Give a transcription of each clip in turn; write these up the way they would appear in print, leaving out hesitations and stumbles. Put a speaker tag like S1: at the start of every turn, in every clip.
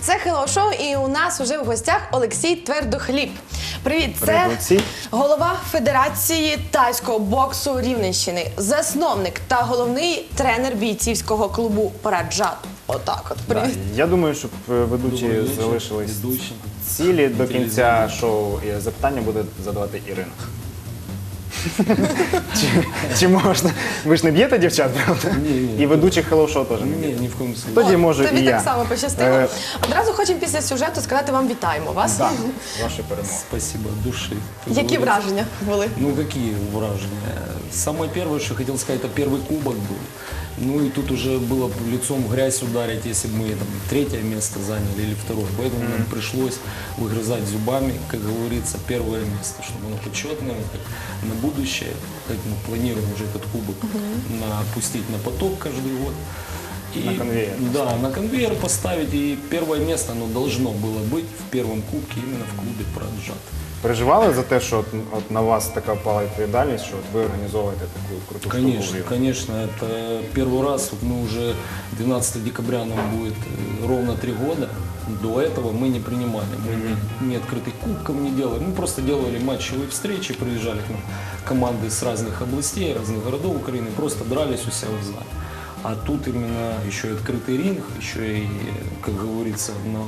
S1: Це Hello Show, і у нас уже в гостях Олексій Твердохліб. Привіт, це голова Федерації тайського боксу Рівненщини, засновник та головний тренер бійцівського клубу «Параджат». Отак от, привіт.
S2: Я думаю, щоб ведучі залишились цілі до кінця шоу, і запитання буде задавати Ірина. Чи можна? Ви ж не б'єте дівчат, правда?
S3: Ні.
S2: І ведучих Hello Show теж не б'єте?
S3: Ні в коєму случае.
S2: Тоді можу і я.
S1: Тобі так само пощастило. Одразу хочемо після сюжету сказати вам вітаємо вас.
S2: Так, ваші перемоги.
S3: Спасибо от души.
S1: Які враження були?
S3: Ну, какие вражения? Самое первое, что хотел сказать, это первый кубок был. Ну и тут уже было лицом в грязь ударить, если бы мы там третье место заняли или второе. Поэтому нам пришлось выгрызать зубами, как говорится, первое место, чтобы оно почетное, как на будущее. Как мы планируем уже этот кубок опустить на поток каждый год. И,
S2: на конвейер.
S3: Да, на конвейер поставить. И первое место оно должно было быть в первом кубке именно в клубе «Параджат».
S2: Переживали за те, що от на вас така впала відповідальність, що от ви організовуєте таку круту штуку?
S3: Конечно, конечно. Это первый раз, вот мы уже 12 декабря нам будет ровно 3 года. До этого мы не принимали, мы ни открытых кубков не делали. Мы просто делали матчевые встречи, приезжали к нам команды с разных областей, разных городов Украины, просто дрались у себя в зале. А тут именно еще и открытый ринг, еще и, как говорится,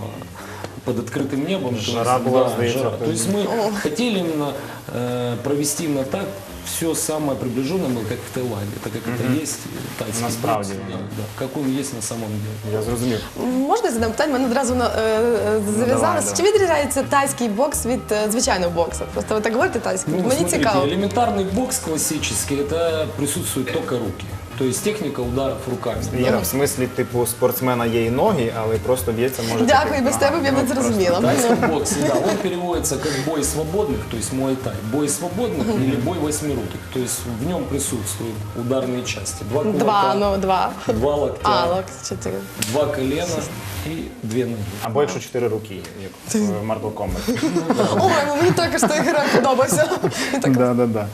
S3: под открытым небом.
S2: Жара была,
S3: жара. То есть мы хотели именно провести именно так, все самое приближенное было, как в Таиланде, так как это есть тайский
S2: Насправді.
S3: бокс, да, как он есть на самом деле.
S2: Я зрозумів.
S1: Можна задам питання? Мене одразу зав'язалося. Чи відрізняється тайський бокс від звичайного боксу? Просто ви так говорите тайський.
S3: Ну,
S1: Мені
S3: смотрите,
S1: цікаво.
S3: элементарный бокс классический, это присутствуют только руки. То есть техника ударов руками.
S2: Іра, в смислі, типу, спортсмена є і ноги, але просто б'ється може...
S1: Дякую, без тебе б я не зрозуміла.
S3: Тайский бокс, да, он переводится как бой свободных, то есть муай-тай. Бой свободных или бой восьмируких. То есть в нем присутствуют ударные части. Два кулака,
S1: Два.
S3: два
S1: А,
S3: локтя,
S1: локти 4.
S3: два колена и 2 ноги.
S2: Або якщо 4 руки, як в Mortal Kombat.
S1: Ой, мені також той герой подобався.
S2: Да.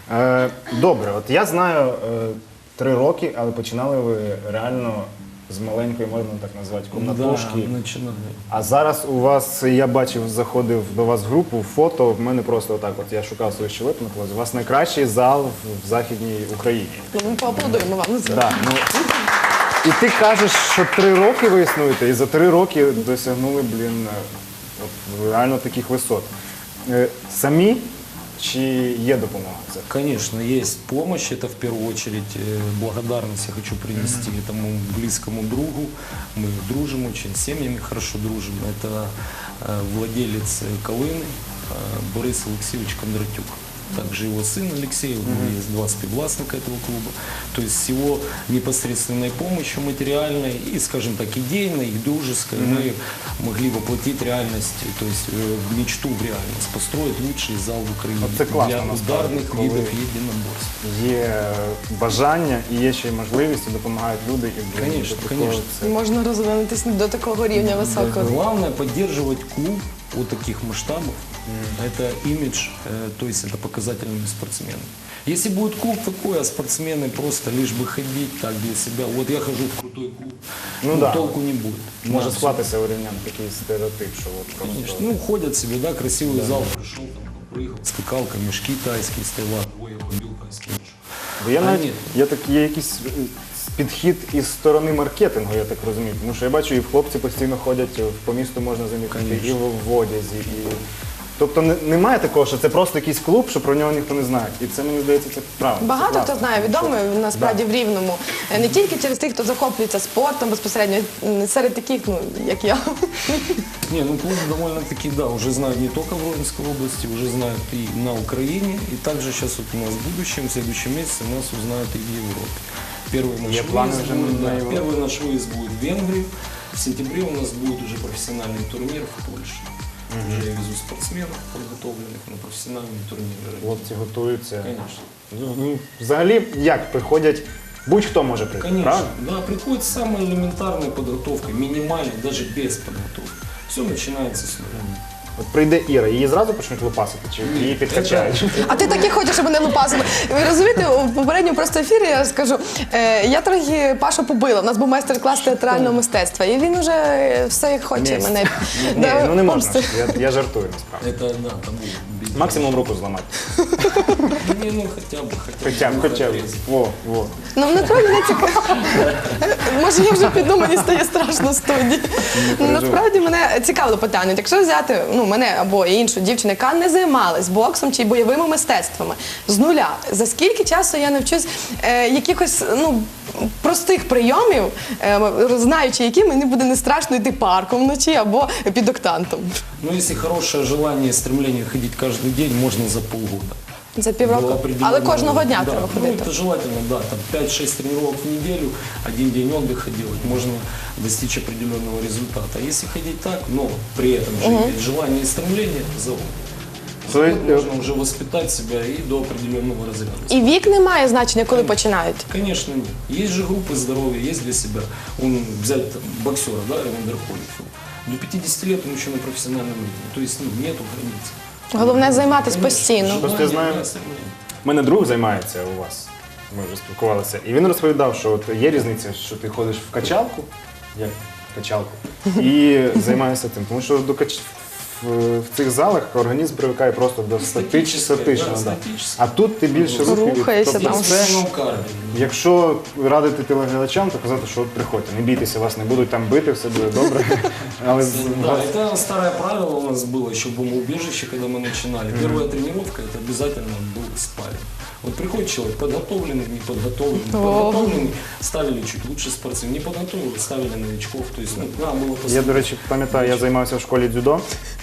S2: Добре, от я знаю 3 роки, але починали ви реально з маленької, можна так назвати, комнатушки.
S3: Да, начинали.
S2: А зараз у вас, я бачив, заходив до вас в групу, фото, в мене просто отак, от я шукав свою щелепу, у вас найкращий зал в Західній Україні.
S1: Ну, ми поаплодуємо вам.
S2: Да, ну, і ти кажеш, що 3 роки ви існуєте, і за 3 роки досягнули, от, реально таких висот. Самі чи є допомога?
S3: Конечно, есть помощь. Это в первую очередь благодарность я хочу принести этому близкому другу. Мы дружим очень, с семьями хорошо дружим. Это владелец Колыны Борис Алексеевич Кондратюк. Также его сын Алексей, у него есть 2 співвласника этого клуба. То есть с его непосредственной помощью материальной и, скажем так, идейной, и дружеской мы могли воплотить реальность, то есть мечту в реальность, построить лучший зал в Украине
S2: це класно,
S3: для
S2: насправді,
S3: ударных
S2: коли
S3: видов единоборств.
S2: Є бажання і є ще й можливість, і допомагають люди. І,
S3: Конечно,
S2: до такого
S3: конечно.
S2: це-
S1: Можна розвинутися до такого рівня високого.
S3: Главное поддерживать клуб вот таких масштабов. Это имидж, то есть это показательными спортсменами. Если будет клуб такой, а спортсмены просто лишь бы ходить так для себя, вот я хожу в крутой клуб,
S2: Ну да.
S3: толку не будет.
S2: Може
S3: Да,
S2: склатися у рівнян такий стереотип, що от просто...
S3: Конечно. Ну, ходят себе, да, красивый зал, пришел, там, прыгал, скакалка, мешки тайские, стояла, ой, я побил тайский мешок.
S2: Бо я
S3: А
S2: навіть,
S3: ні.
S2: є якийсь підхід із сторони маркетингу, я так розумію. Тому що я бачу, і хлопці постійно ходять, по місту можна замітити,
S3: Конечно.
S2: і в одязі. І... Тобто немає такого, що це просто якийсь клуб, що про нього ніхто не знає. І це, мені здається, це правильно.
S1: Багато
S2: це
S1: хто
S2: класно.
S1: знає, відомий насправді в Рівному. Не тільки через тих, хто захоплюється спортом безпосередньо, серед таких, ну, як я.
S3: Не, ну клуб довольно-таки, да, уже знают не только в Ровенской области, уже знают и на Украине, и также сейчас вот у нас в будущем, в следующем месяце нас узнают и в Европе. Первый наш выезд будет в Венгрию, в сентябре у нас будет уже профессиональный турнир в Польше. Уже я везу спортсменов подготовленных на профессиональные турниры.
S2: Хлопці готуються.
S3: Конечно.
S2: Ну, взагалі, як приходять, будь-хто може прийти,
S3: Конечно,
S2: правильно?
S3: да, приходит с самой элементарной подготовкой, минимальной, даже без подготовки. Все начинается с нуля.
S2: От прийде Іра, її зразу почнуть лупасити, чи її підкачають?
S1: А ти так і хочеш, щоб мене лупасили. Ви розумієте, у попередньому просто ефірі я скажу, я трохи Пашу побила. У нас був майстер-клас театрального мистецтва, і він уже все як хоче
S2: Ні.
S1: мене.
S2: Ні, ну не можна.
S1: помстити.
S2: Я жартую насправді.
S3: Это, да, там без...
S2: Максимум руку зламати.
S3: Не, ну хотя бы.
S2: Хоча б. Во.
S1: Ну, насправді не цікаво. Може, я вже піду, мені стає страшно в студії. Насправді мене цікавило питання. Якщо взяти мене або іншу дівчину, яка не займалась боксом чи бойовими мистецтвами з нуля, за скільки часу я навчусь якихось простих прийомів, знаючи, які мені буде не страшно йти парком вночі або під октантом?
S3: Ну, если хорошее желание и стремление ходить каждый день, можно за полгода.
S1: За
S3: До
S1: півроку.
S3: определенного-
S1: Але кожного дня
S3: да,
S1: треба
S3: ну,
S1: ходити.
S3: это желательно, да, там 5-6 тренировок в неделю, один день отдыха делать, можно достичь определенного результата. А если ходить так, но при этом же иметь желание и стремление, за год. За
S2: То
S3: год
S2: есть,
S3: можно уже воспитать себя и до определенного разряда.
S1: І вік не має значення, коли починають.
S3: Конечно, нет. Есть же группы здоровья, есть для себя. Взять там, боксера, да, Эвандер Холлифилд. До 50 лет он еще на профессиональном уровне. То есть нету границ.
S1: Головне займатися
S3: Конечно,
S1: постійно.
S2: Просто я знаю-
S3: желание, да, стремление.
S2: У мене друг займається у вас. Ми вже спілкувалися. І він розповідав, що от є різниця, що ти ходиш в качалку, як качалку, і займаєшся тим. Тому що в цих залах організм привикає просто до статичного.
S3: да,
S2: Да.
S3: статически.
S2: А тут ти більше
S1: Рухаєшся
S2: Тобто
S1: там.
S2: це,
S3: Ну, кардио.
S2: якщо радити телеглядачам, то казати, що от приходьте, не бійтеся, вас не будуть там бити, все буде добре. Але
S3: Да, это старое правило у нас было еще в бомбоубежище, когда мы начинали. Первая тренировка, это обязательно был спарринг. Вот приходит человек подготовленный, неподготовленный. Подготовленный ставили чуть лучше спортсмен, неподготовленный ставили новичков. То есть, надо было
S2: я,
S3: посмотреть.
S2: до речі, пам'ятаю, я займався в школі дзюдо.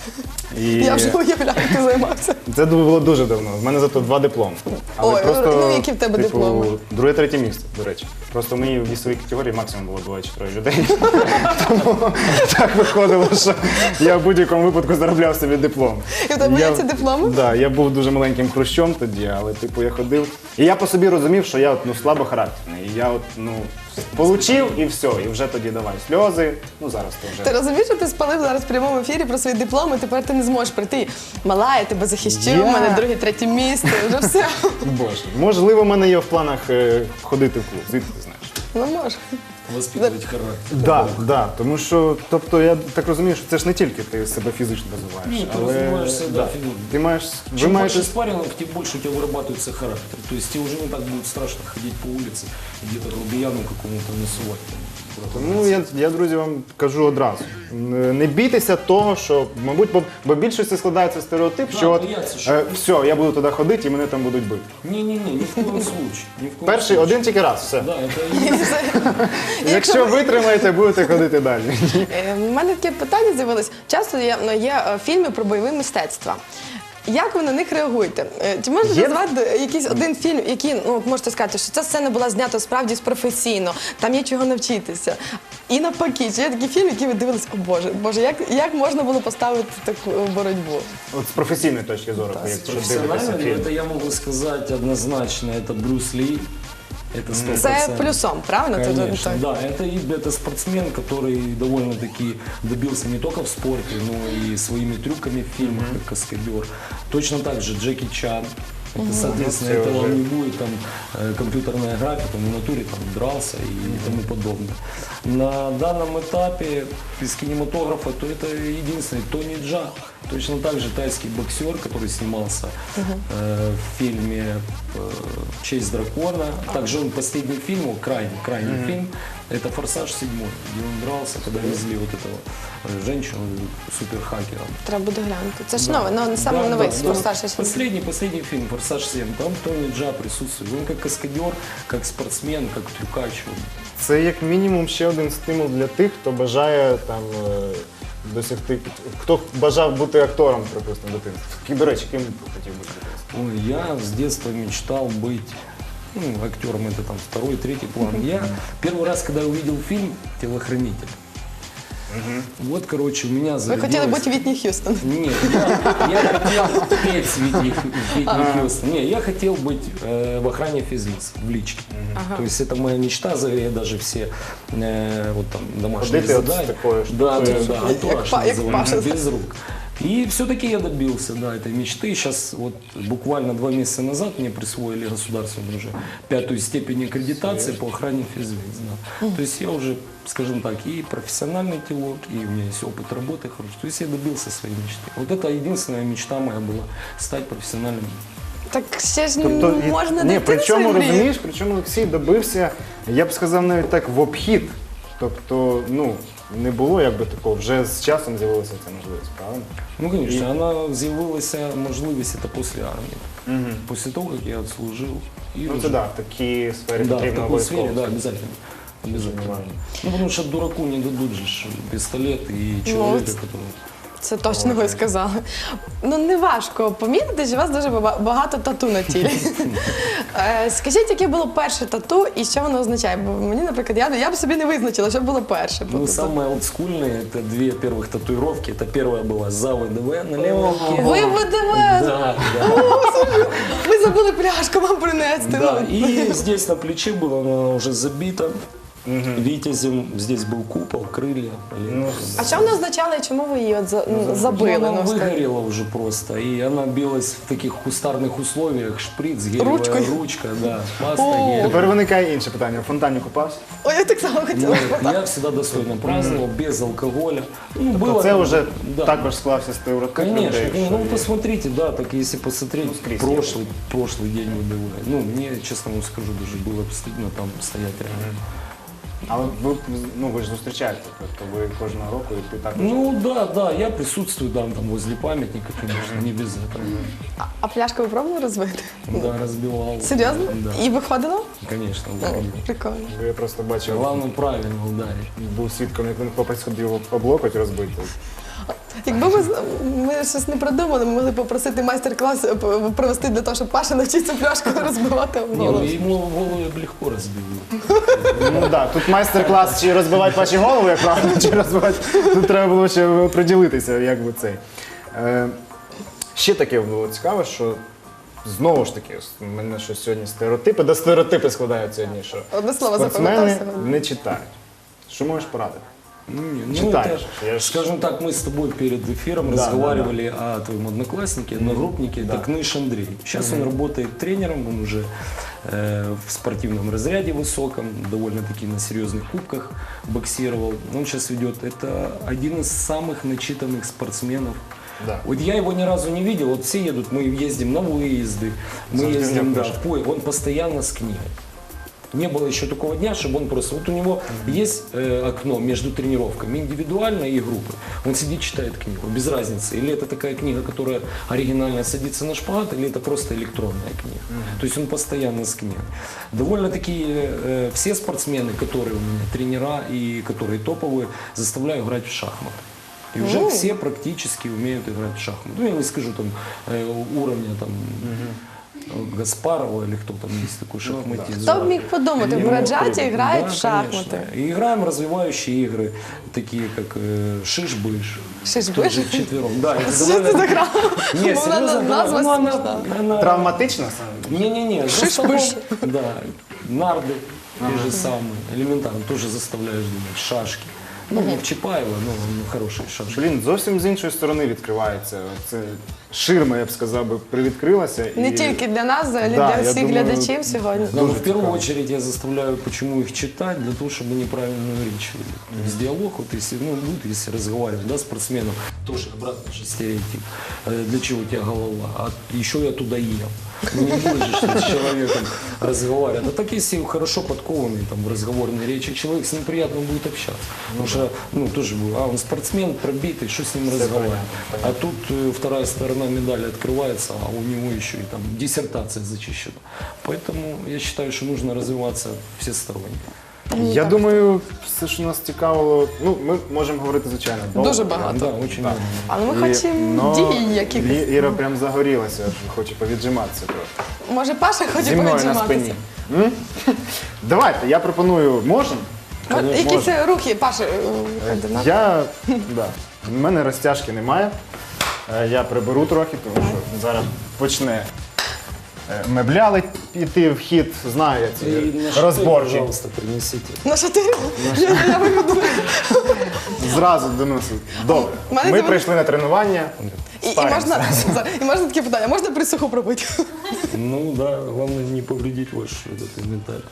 S2: І
S1: Я вже уявляю, як ти займався.
S2: це було дуже давно. В мене зато 2 дипломи.
S1: Ой, ну, які в тебе дипломи?
S2: Друге, третє місце, до речі. Просто в моїй вісовій категорії максимум було 2-4 людей. Тому так виходило, що я в будь-якому випадку заробляв собі диплом.
S1: І в тебе є ці дипломи?
S2: Так, я був дуже маленьким хрущом тоді, але я ходив. І я по собі розумів, що я слабохарактерний. І я получив і все, і вже тоді давай сльози. Ну зараз то вже.
S1: Ти розумієш, що ти спалив зараз в прямому ефірі про свої дипломи, тепер ти не зможеш прийти. Мала, я тебе захищу,
S2: Я?
S1: в мене друге, третє місце, вже все.
S2: Боже, можливо, в мене є в планах ходити в клуб. Звідки ти знаєш?
S1: Ну може.
S3: Воспитывать характер.
S2: Да, тому що, тобто, я так розумію, що це ж не тільки ти себе фізично розвиваєш,
S3: Ні, ти розвиваєшся, да, фізично.
S2: ти маєш, ви
S3: Чем
S2: маєте,
S3: больше спаррингов, тем больше у тебя вырабатывается характер. То есть тебе уже не так будет страшно ходить по улице, где-то грубияну какому-то насувать.
S2: тому я, друзі, вам кажу одразу, не бійтеся того, що, мабуть, бо в більшості складається стереотип,
S3: Да,
S2: що от,
S3: бояться, що-
S2: все, я буду туди ходити і мене там будуть бити.
S3: Не-не-не, ни в коем случае. Ни в коем
S2: Перший,
S3: случае.
S2: один тільки раз, все.
S3: Да, это и
S2: Якщо витримаєте, будете ходити далі.
S1: У мене таке питання з'явилось. Часто є фільми про бойові мистецтва. Як ви на них реагуєте? Чи можете
S2: Є?
S1: назвати якийсь один фільм, який, можете сказати, що ця сцена була знята справді професійно, там є чого навчитися? І навпаки, чи є такі фільми, які ви дивились, о Боже, як можна було поставити таку боротьбу?
S2: От з професійної точки зору, якщо дивитися
S3: профессионально,
S2: фільм.
S3: это я могу сказать однозначно, это Брюс Ли. Это 100%.
S1: Це плюсом, правильно? Це
S3: Конечно,
S1: так.
S3: да. Это спортсмен, который довольно-таки добился не только в спорте, но и своими трюками в фильмах, как каскадер. Точно так же Джеки Чан. Это, соответственно,
S2: Это
S3: это
S2: уже-
S3: вам не будет там компьютерная графика, там в натуре там дрался и тому подобное. На данном этапе из кинематографа, то это единственный Тони Джа. Точно так же тайский боксер, который снимался в фильме «Честь дракона». Также он последний фильм, крайний фильм, это «Форсаж 7», где он дрался, когда везли вот этого женщину суперхакера.
S1: Треба буде глянути. Це ж нове, саме новий старший фільм.
S3: Последний фильм «Форсаж 7», там Тони Джа присутствует. Он как каскадер, как спортсмен, как трюкач.
S2: Це як мінімум ще один стимул для тих, хто бажає там досягти, хто бажав бути актором, припустимо, дитинства. До речі, ким хотів бути дитинства?
S3: Ой, я с детства мечтал быть актером, это там второй, третий план. Я первый раз, когда увидел фильм «Телохранитель», вот, короче, у меня
S1: Ви
S3: зародилось...
S1: хотіли бути Вітні Х'юстон.
S3: Нет, я хотел петь с Витни Хьюстон. Не, я хотел быть в охране физлиц, в личке. То есть это моя мечта, я даже все вот там домашние
S2: Ходити от
S3: задания.
S2: такої
S3: Да,
S2: штуки.
S3: антураж
S1: Як Паша.
S3: называемый, без рук. И все-таки я добился, да, этой мечты. Сейчас вот буквально 2 месяца назад мне присвоили государственную уже 5-ю степень аккредитации по охране физлиц. Да. То есть я уже, скажем так, и профессиональный телок, и у меня есть опыт работы хороший. То есть я добился своей мечты. Вот это единственная мечта моя была, стать профессиональным.
S1: Так ще ж
S2: Тобто,
S1: можна
S2: ні,
S1: дойти до
S2: причому
S1: своєї мрії.
S2: розумієш, причому Олексій добився, я б сказав, навіть так в обхід. Тобто, ну, не було якби такого, вже з часом з'явилася ця можливість, правильно?
S3: Ну, конечно, она з'явилася можливість это после армии. После того, как я отслужил. И
S2: Ну
S3: уже-
S2: це так, в такій сфері
S3: Да, в
S2: потрібно
S3: такой сфере,
S2: обов'язково.
S3: да, обязательно. Обязательно.
S2: Важно.
S3: Ну, потому что дураку не дадут же ж пистолет и человека, который...
S1: Це точно ви сказали. Ну, не важко помітити, що у вас дуже багато тату на тілі. Скажіть, яке було перше тату і що воно означає? Бо мені, наприклад, я б собі не визначила, що було перше.
S3: Ну, самое олдскульное, это 2 первых татуировки. Это первая была за ВДВ на левой руке.
S1: Ви ВДВ!
S3: Да, да.
S1: Ви забули пляшку вам принести.
S3: Да,
S1: Ну,
S3: и здесь на плече было, она уже забита. Витязем, здесь был купол, крылья.
S1: А що воно означало і чому ви її от забили?
S3: Она
S1: Ну, скажіть?
S3: выгорела уже просто, и она билась в таких кустарных условиях, шприц, гелевая
S1: Ручкой?
S3: ручка, да, паста,
S1: О.
S3: гель.
S2: Тепер виникає інше питання. В фонтані купався?
S1: Ой, я так само хотіла
S3: Нет,
S1: спитати.
S3: я всегда достойно праздновал, без алкоголя. Ну, было,
S2: Це вже
S3: да.
S2: також склався стереотип
S3: Конечно,
S2: людей.
S3: ну
S2: що є.
S3: посмотрите, да, так если посмотреть
S2: скрізь
S3: прошлый день ВДВ, ну мне, честно вам скажу, даже было стыдно там стоять рядом.
S2: Але ви ж зустрічаєте, тобто ви кожного року і ти також.
S3: Ну да, я присутствую там возле памятника, конечно, не без этого.
S1: А пляшку ви пробували розбити?
S3: Да, разбивал.
S1: Серйозно?
S3: Да,
S1: І виходило?
S3: конечно,
S1: О,
S3: выходил.
S1: прикольно.
S2: Я просто бачив,
S3: Главное правильно ударить.
S2: був свідком, як один хлопець ходив об локоть розбити.
S1: Якби ми щось не придумали, ми могли попросити майстер-клас провести для того, щоб Паша навчився пляшку розбивати об
S3: Не,
S1: голову.
S3: ну ему голову я бы легко разбил.
S2: Ну так, тут майстер-клас, чи розбивати ваші голови, як правильно, чи розбивати. Тут треба було ще приділитися, як би цей. Ще таке було цікаве, що знову ж таки, у мене щось сьогодні стереотипи, до стереотипи складають сьогодні, що
S1: Одне слово
S2: спортсмени
S1: запам'ятав сьогодні.
S2: не читають. Що можеш порадити?
S3: Ну,
S2: Читаешь.
S3: это,
S2: Я ж-
S3: скажем так, мы с тобой перед эфиром
S2: Да,
S3: разговаривали о твоем однокласснике, одногруппнике, это Кныш Андрей. Сейчас он работает тренером, он уже в спортивном разряде высоком, довольно-таки на серьезных кубках боксировал. Он сейчас ведет, это один из самых начитанных спортсменов.
S2: Да.
S3: Вот я его ни разу не видел, вот все едут, мы ездим на выезды, мы
S2: Завжди в
S3: ездим,
S2: нем
S3: да,
S2: пишет.
S3: в он постоянно с книгой. Не было еще такого дня, чтобы он просто... Вот у него есть окно между тренировками, индивидуально и группы. Он сидит, читает книгу, без разницы. Или это такая книга, которая оригинально садится на шпагат, или это просто электронная книга. То есть он постоянно с книгой. Довольно-таки все спортсмены, которые у меня тренера и которые топовые, заставляю играть в шахматы. И уже все практически умеют играть в шахматы. Ну, я не скажу там уровня там... Гаспарова или кто там есть такой шахматист.
S1: Хто б міг подумати, в Браджаті грають в
S3: Да,
S1: шахмати.
S3: конечно. И играем развивающие игры, такие как Шиш-Быш.
S1: Шиш-Быш?
S3: Тоже вчетвером. Да, это
S1: Що це за гра?
S3: Не,
S1: Вона
S3: серьезно, да,
S1: назва
S3: ну, она-
S1: смішна.
S3: она-
S2: Травматично саме?
S3: Не-не-не, за
S1: Шиш-Быш.
S3: столом, да, нарды, те же самые, элементарно, тоже заставляешь думать, шашки. Ну, не в Чапаева, но хорошие шашки.
S2: Блін, зовсім з іншої сторони відкривається. Це ширма, я б сказав, би привідкрилася.
S1: Не
S2: і-
S1: тільки для нас, взагалі
S2: Да,
S1: для
S2: я
S1: всіх
S2: думаю,
S1: глядачів сьогодні.
S3: Да, но в первую очередь я заставляю, почему их читать, для того, чтобы неправильную речь вели. То есть диалог, вот если, ну, будет, если разговаривать, да, с спортсменом, тоже обратно же стереотип. Для чего у тебя голова? А еще я туда ел. Ну, не будешь же с человеком разговаривать. А так, если хорошо подкованный там, в разговорной речи человек, с ним приятно будет общаться. Потому что, ну, тоже, он спортсмен, пробитый, что с ним разговаривать? А тут вторая сторона медали открывается, а у него еще и там диссертация зачищена. Поэтому я считаю, что нужно развиваться всесторонне.
S2: Я думаю, все, що нас цікавило, ну, ми можемо говорити, звичайно, довго.
S1: Дуже багато.
S3: Да, очень много.
S1: Але ми хочемо дій якихось.
S2: Іра прям загорілася, хоче повіджиматися трохи.
S1: Може, Паша хоче
S2: Зі мною на
S1: повіджиматися?
S2: спині. Давайте, я пропоную, можемо?
S1: От якісь рухи, Паша, виходи на.
S2: Я, да, в мене розтяжки немає. Я приберу трохи, тому що зараз почне мебляли піти в хід, знаю я
S3: И
S2: ці
S3: на шатырь,
S2: розборчі.
S3: пожалуйста, принесите.
S1: На шатирі? Я виведу.
S2: Зразу доносив. Добре.
S1: У мене
S2: Ми
S1: з'явилось-
S2: прийшли на тренування.
S1: І
S2: Спаримося.
S1: можна таке питання, можна присуху пробити?
S3: Ну да, главное не повредить ваш этот инвентарь.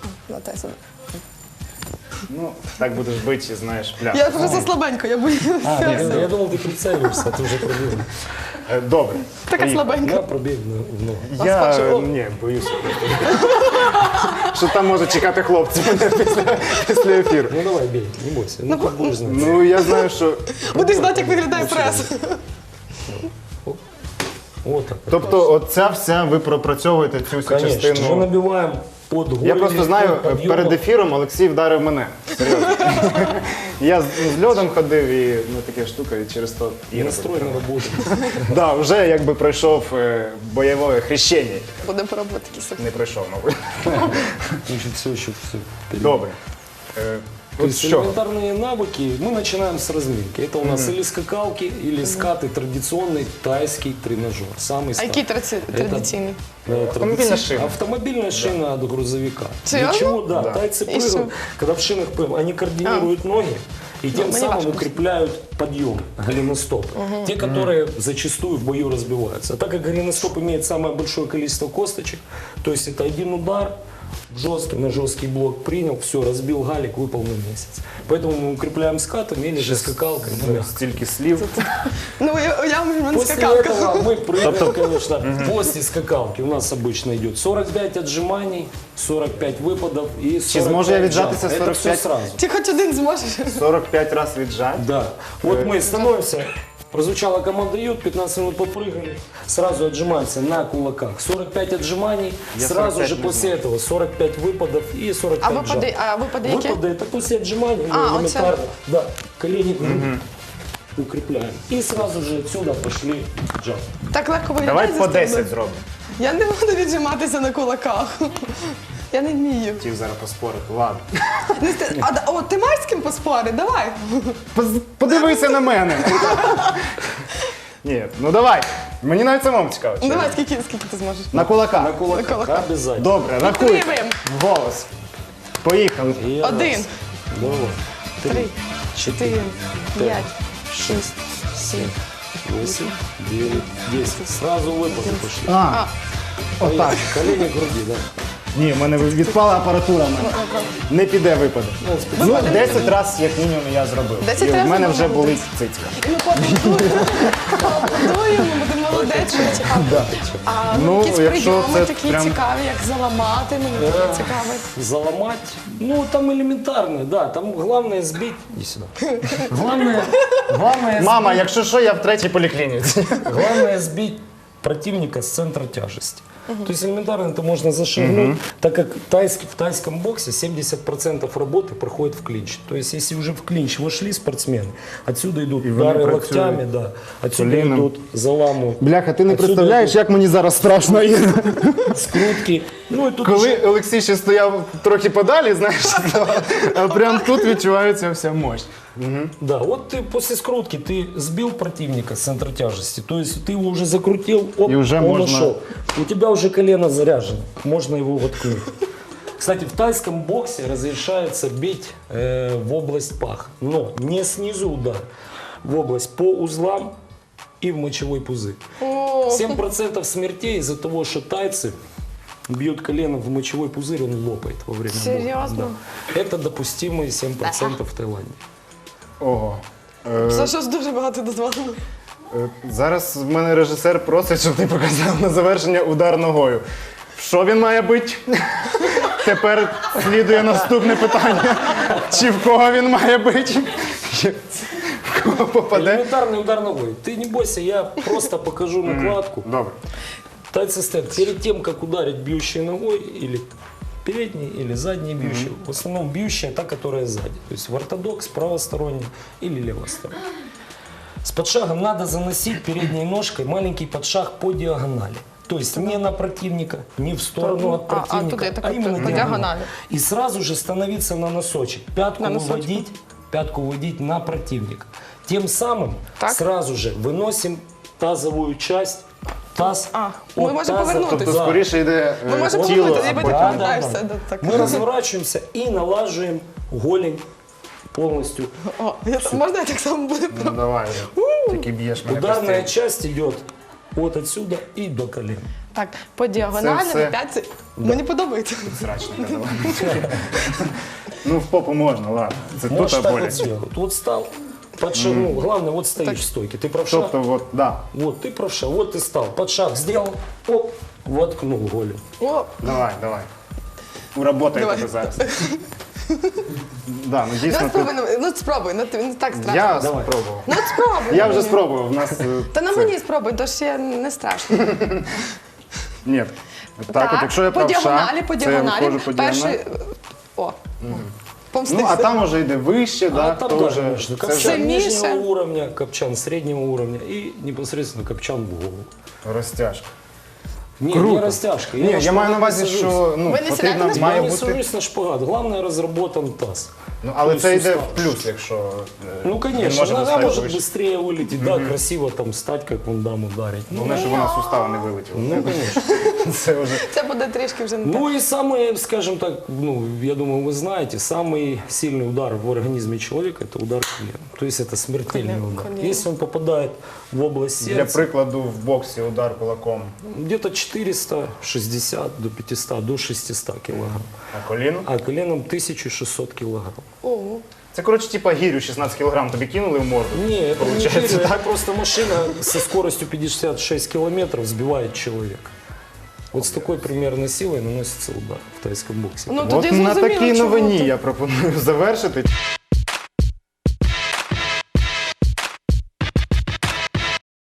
S2: Ну, так будеш бити, знаєш, пляж.
S1: Я просто слабенько, я боюся.
S3: Я думал, ты прицеливаешься, а ты уже пробил.
S2: Добре.
S1: Така
S2: поїхали.
S1: слабенька.
S3: Я пробег в ногу.
S2: Я ні, боюся. Що там може чекати хлопці мене після ефіру.
S3: Ну давай, бей, не бойся. Ну, как будешь знать.
S2: Ну, я знаю, що.
S1: Будеш знати, як виглядає прес.
S3: Вот так.
S2: Тобто, оця вся, ви пропрацьовуєте цю всю
S3: Конечно, мы
S2: частину.
S3: набиваем под голень.
S2: Я просто знаю,
S3: под подъемом.
S2: перед ефіром Олексій вдарив мене. Серйозно. Я з льодом ходив і така штука, і через то і
S3: Настрой не работает.
S2: Да, вже якби пройшов бойове хрещення.
S1: Будемо пробувати такі собі.
S2: Не пройшов, мабуть.
S3: Значит, все еще все.
S2: Добре.
S3: То
S2: От
S3: есть
S2: що?
S3: элементарные навыки мы начинаем с разминки. Это у нас или скакалки, или скаты, традиционный тайский тренажер. Самый
S1: А який
S3: старый.
S1: традиційний?
S2: Автомобильная шина.
S3: Автомобильная шина от грузовика.
S1: Серьезно?
S3: Для чего? Да.
S2: Да.
S3: Тайцы
S1: И что?
S3: прыгают, когда в шинах прыгают, они координируют ноги и тем
S1: мне
S3: самым
S1: важно.
S3: укрепляют подъем голеностопа. Те, которые зачастую в бою разбиваются. А так как голеностоп имеет самое большое количество косточек, то есть это один удар, жесткий, на жесткий блок принял, все, разбил галик, выпал на месяц. Поэтому мы укрепляем скатами или же скакалкой. на мягкой.
S2: Стільки слів.
S1: Ну, я в мене
S3: После
S1: скакалка.
S3: этого мы прыгаем, конечно, после скакалки у нас обычно идет 45 отжиманий, 45 выпадов и 45
S2: Чи зможу я віджатися
S3: жав. Это все
S2: 45?
S3: сразу.
S1: Ти хоч один зможеш?
S2: 45 разів віджать.
S3: Да. Вот мы становимся, прозвучала команда «Ют», 15 минут попрыгали, сразу отжимаемся на кулаках. 45 отжиманий,
S2: Я
S3: сразу
S2: 45
S3: же
S2: не
S3: после этого 45 выпадов и 45
S1: А випади,
S3: жав.
S1: які?
S3: Выпады это после отжиманий,
S1: А,
S3: ну,
S1: вот
S3: элементарно. Да, колени грудь укрепляем. И сразу же отсюда пошли джав.
S1: Так легко виглядає.
S2: Давай
S1: зі
S2: по
S1: сторони?
S2: 10 зробимо.
S1: Я не буду віджиматися на кулаках. Я не вмію.
S2: Хотів зараз поспорити. Ладно.
S1: О, ти маєш з ким поспорити? Давай.
S2: Подивися на мене. Ні, ну давай. Мені навіть самому цікаво.
S1: Ну, давай, скільки ти зможеш?
S2: На кулака.
S3: На кулаках,
S1: кулаках.
S3: обязательно.
S2: Добре, рахуй.
S1: Підтримуємо.
S2: Голос. Поїхали.
S3: И
S1: Один,
S3: раз, два,
S1: 3, 4, 5, 6, 7.
S3: 8, 9, 10. Сразу выпады пошли.
S2: А, отак.
S3: Колени к груди, да.
S2: Ні, в мене відпала апаратура. в мене. Не піде випаде. Ну, 10 разів, як мінімум, я зробив.
S1: 10
S2: І в
S1: разів
S2: мене вже
S1: молодець.
S2: болить цицька.
S1: І ми поаплодуємо, буде молодець, що цікаво. А
S2: Ну,
S1: якісь
S2: якщо
S1: прийоми
S2: це
S1: такі
S2: прям-
S1: цікаві, як заламати, мені таке цікаве.
S3: Заломать. Ну, там элементарно, да. Там главное сбить. Иди сюда. Главное
S2: Мама, якщо що, я в третій поліклініці.
S3: Главное сбить противника с центра тяжести. То есть элементарно это можно зашагнуть, так как в тайском боксе 70% работы проходит в клинч. То есть если уже в клинч вошли спортсмены, отсюда идут
S2: И
S3: удары
S2: вони
S3: локтями,
S2: працюють
S3: да, отсюда
S2: коліном.
S3: идут заламывают.
S2: Бляха, ти не
S3: Отсюда
S2: представляєш, як мені зараз страшно, Іра.
S3: идут скрутки. Ну и тут
S2: Коли
S3: уже
S2: Олексій ще стояв трохи подалі, знаєш, а прям тут відчувається вся мощь.
S3: да, вот ты после скрутки ты сбил противника с центра тяжести, то есть ты его уже закрутил, оп,
S2: И уже
S3: он
S2: можно-
S3: ушел. У тебя уже колено заряжено, можно его воткнуть. Кстати, в тайском боксе разрешается бить в область паха, но не снизу удар, в область по узлам и в мочевой пузырь. 7% смертей из-за того, что тайцы бьют колено в мочевой пузырь, он лопает во время боя.
S1: Серьезно?
S3: Да. Это допустимые 7% в Таиланде.
S2: Ого.
S1: Це щось дуже багато дозволено.
S2: Зараз в мене режисер просить, щоб ти показав на завершення удар ногою. Що він має бити? Тепер слідує наступне питання. Чи в кого він має бити? В кого попаде?
S3: Элементарный удар ногой. Ты не бойся, я просто покажу накладку.
S2: Добре.
S3: Тайцы стоят перед тем, как ударить бьющей ногой, или передней, или задней бьющей. В основном бьющая та, которая сзади. То есть в ортодокс правосторонний или левосторонний. С подшагом надо заносить передней ножкой маленький подшаг по диагонали. То есть не на противника, не в сторону от противника,
S1: туда, так
S3: а
S1: вот
S3: именно
S1: по
S3: диагональ.
S1: диагонали.
S3: И сразу же становиться на носочек. Пятку
S1: На носочек.
S3: выводить на противника. Тем самым
S1: Так.
S3: сразу же выносим тазовую часть таз.
S1: А, ми
S3: от
S1: можемо
S3: таза,
S1: повернутися.
S2: Тобто скоріше йде
S1: Ми можемо
S2: тіло.
S1: повернутися, і
S2: а
S1: потім
S2: потім-
S1: повертаєшся. Так.
S3: Мы разворачиваемся и налаживаем голень полностью.
S1: О, можна я так само буду?
S2: Ну давай, тільки б'єш мене
S3: Ударная
S2: постійно.
S3: часть идет от отсюда и до колен.
S1: Так, по діагоналі
S2: все-
S1: на п'ятці. Мені подобається.
S2: Срачника давай. Ну в попу можна, ладно. Це
S3: Можешь
S2: тут
S3: так
S2: боляче.
S3: вот сделать. Вот встал, подшагнул. Главное, вот стоишь в стойке. Ты правша.
S2: Тобто, от, да.
S3: Вот, ты правша. Вот ты стал. Под шаг сделал. Оп. Воткнул голень.
S1: О,
S2: Давай, давай. Уработай
S1: Давай.
S2: тебе зараз. Да, ну
S1: давай
S2: дійсно тут.
S1: спробуй, ну спробуй, ну не так страшно.
S2: Я
S3: Давай.
S2: спробував.
S1: Ну от спробуй.
S2: Я вже спробував. В нас
S1: Та на
S2: це-
S1: мені спробуй, то ж я не страшно.
S2: Ні. Так, от якщо я
S1: по
S2: правша,
S1: діагоналі, по
S2: це я
S1: діагоналі.
S2: виходжу по діагоналі.
S1: Перший, о, помстився.
S2: Ну, а там уже йде вище,
S3: А
S2: да,
S3: там
S2: то
S3: тоже
S2: вже
S3: можно.
S2: це
S3: Копчан
S2: вже
S1: Сильнейшее.
S3: нижнего уровня, копчан среднего уровня и непосредственно копчан в голову.
S2: розтяжка.
S3: Не,
S2: Круто.
S3: не растяжка.
S2: Ні, я
S3: на
S2: маю на
S3: шпагат
S2: увазі,
S3: не сажусь.
S2: що ну,
S1: Ви не сідаєте
S2: потрібно,
S1: на
S2: має
S3: Я не
S2: бути.
S3: сажусь на шпагат. Главное, разработан таз.
S2: Ну, але
S3: Ну,
S2: це йде
S3: сустав.
S2: в плюс, якщо
S3: Ну,
S2: він
S3: конечно,
S2: може
S3: нога
S2: достатньо
S3: может
S2: вище.
S3: быстрее вылететь, да, красиво там стать, как вон дам ударить. Ну,
S2: Головне, щоб вона з сустава не вилетіла.
S3: ну, конечно.
S2: Це вже
S1: Це буде трішки вже не так.
S3: Ну и самый, скажем так, ну, я думаю, вы знаете, самый сильный удар в организме человека – это удар коленом. То есть это смертельный удар.
S1: Колено.
S3: Если он попадает в область
S2: для
S3: сердца,
S2: прикладу в боксі удар кулаком,
S3: где-то 460 до 500, до 600 килограмм.
S2: а коліно.
S3: А коленом 1600 килограмм.
S1: Ого.
S2: Це, коротше, типа гірю 16 кілограм тобі кинули в морду.
S3: Не, это не
S2: Получается
S3: гиря,
S2: так?
S3: это просто машина со скоростью 56 километров сбивает человека. Вот с такой примерно силой наносится удар в тайском боксе.
S1: Ну,
S2: От
S1: тоді
S2: на
S1: зрозуміло,
S2: такій
S1: чому
S2: новині
S1: ти-
S2: я пропоную завершити.